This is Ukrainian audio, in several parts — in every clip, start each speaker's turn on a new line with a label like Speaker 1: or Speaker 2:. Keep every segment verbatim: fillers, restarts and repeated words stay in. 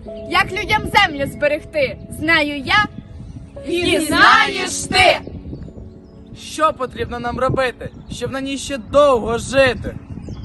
Speaker 1: Як людям землю зберегти? Знаю я.
Speaker 2: І знаєш ти!
Speaker 3: Що потрібно нам робити, щоб на ній ще довго жити?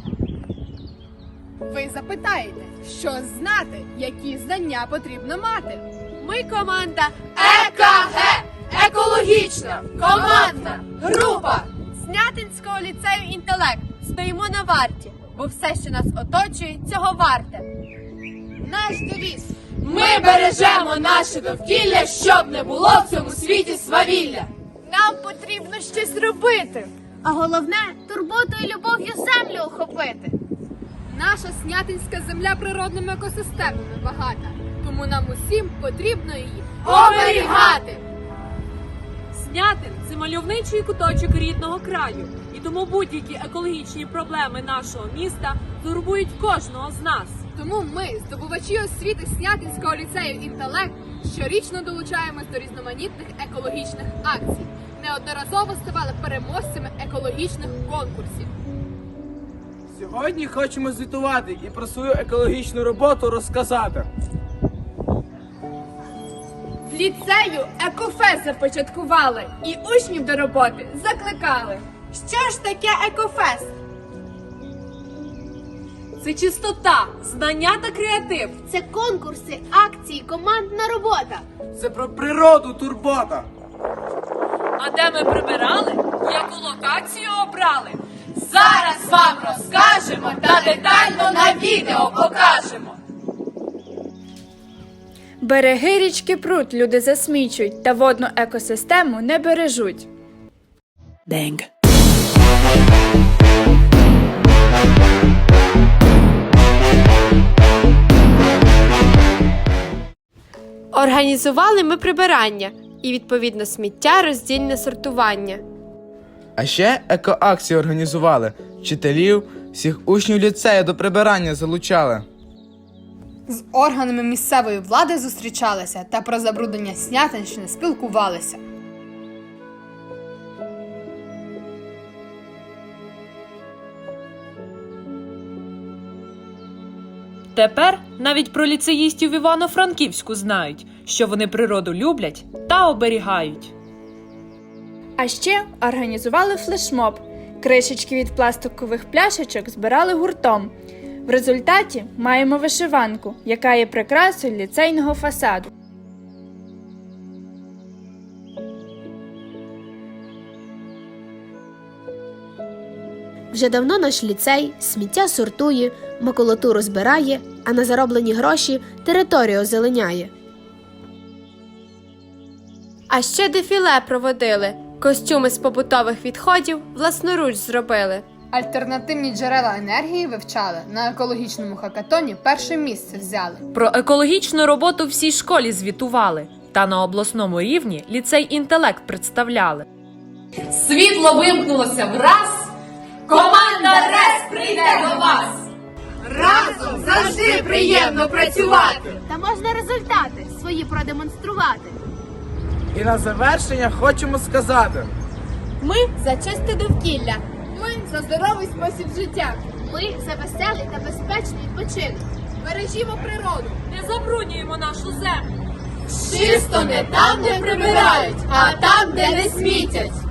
Speaker 1: Ви запитаєте, що знати, які знання потрібно мати?
Speaker 2: Ми команда ЕКГ! Екологічна командна група Снятинського ліцею «Інтелект». Стоїмо на варті, бо все, що нас оточує, цього варте.
Speaker 1: Наш девіз.
Speaker 2: Ми бережемо наше довкілля, щоб не було в цьому світі свавілля.
Speaker 1: Нам потрібно щось робити.
Speaker 4: А головне – турботою і любов'ю землю охопити.
Speaker 1: Наша Снятинська земля природними екосистемами багата, тому нам усім потрібно її
Speaker 2: Оберігати!
Speaker 5: Снятин – це мальовничий куточок рідного краю, і тому будь-які екологічні проблеми нашого міста турбують кожного з нас.
Speaker 1: Тому ми, здобувачі освіти Снятинського ліцею «Інтелект», щорічно долучаємось до різноманітних екологічних акцій. Неодноразово ставали переможцями екологічних конкурсів.
Speaker 3: Сьогодні хочемо звітувати і про свою екологічну роботу розказати.
Speaker 1: В ліцею екофест започаткували і учнів до роботи закликали. Що ж таке екофест?
Speaker 5: Це чистота, знання та креатив.
Speaker 4: Це конкурси, акції, командна робота.
Speaker 3: Це про природу турбота.
Speaker 5: А де ми прибирали, яку локацію обрали?
Speaker 2: Зараз вам розкажемо та детально на відео покажемо.
Speaker 1: Береги річки пруд люди засмічують та водну екосистему не бережуть.
Speaker 6: Bang.
Speaker 2: Організували ми прибирання і, відповідно, сміття роздільне сортування.
Speaker 3: А ще екоакції організували. Вчителів, всіх учнів ліцею до прибирання залучали.
Speaker 7: З органами місцевої влади зустрічалися та про забруднення Снятинщини спілкувалися.
Speaker 5: Тепер навіть про ліцеїстів в Івано-Франківську знають, що вони природу люблять та оберігають.
Speaker 1: А ще організували флешмоб. Кришечки від пластикових пляшечок збирали гуртом. В результаті маємо вишиванку, яка є прикрасою ліцейного фасаду.
Speaker 4: Вже давно наш ліцей сміття сортує, макулатуру збирає, а на зароблені гроші територію озеленяє.
Speaker 2: А ще дефіле проводили. Костюми з побутових відходів власноруч зробили.
Speaker 7: Альтернативні джерела енергії вивчали, на екологічному хакатоні перше місце взяли.
Speaker 5: Про екологічну роботу всій школі звітували, та на обласному рівні ліцей «Інтелект» представляли.
Speaker 2: Світло вимкнулося враз, команда РЕС прийде до вас! Разом завжди приємно працювати!
Speaker 4: Та можна результати свої продемонструвати.
Speaker 3: І на завершення хочемо сказати.
Speaker 1: Ми за чисте довкілля. Ми за здоровий спосіб життя.
Speaker 4: Ми за веселий та безпечний відпочинок.
Speaker 1: Бережімо природу.
Speaker 5: Не забруднюємо нашу землю.
Speaker 2: Чисто не там, де прибирають, а там, де не смітять.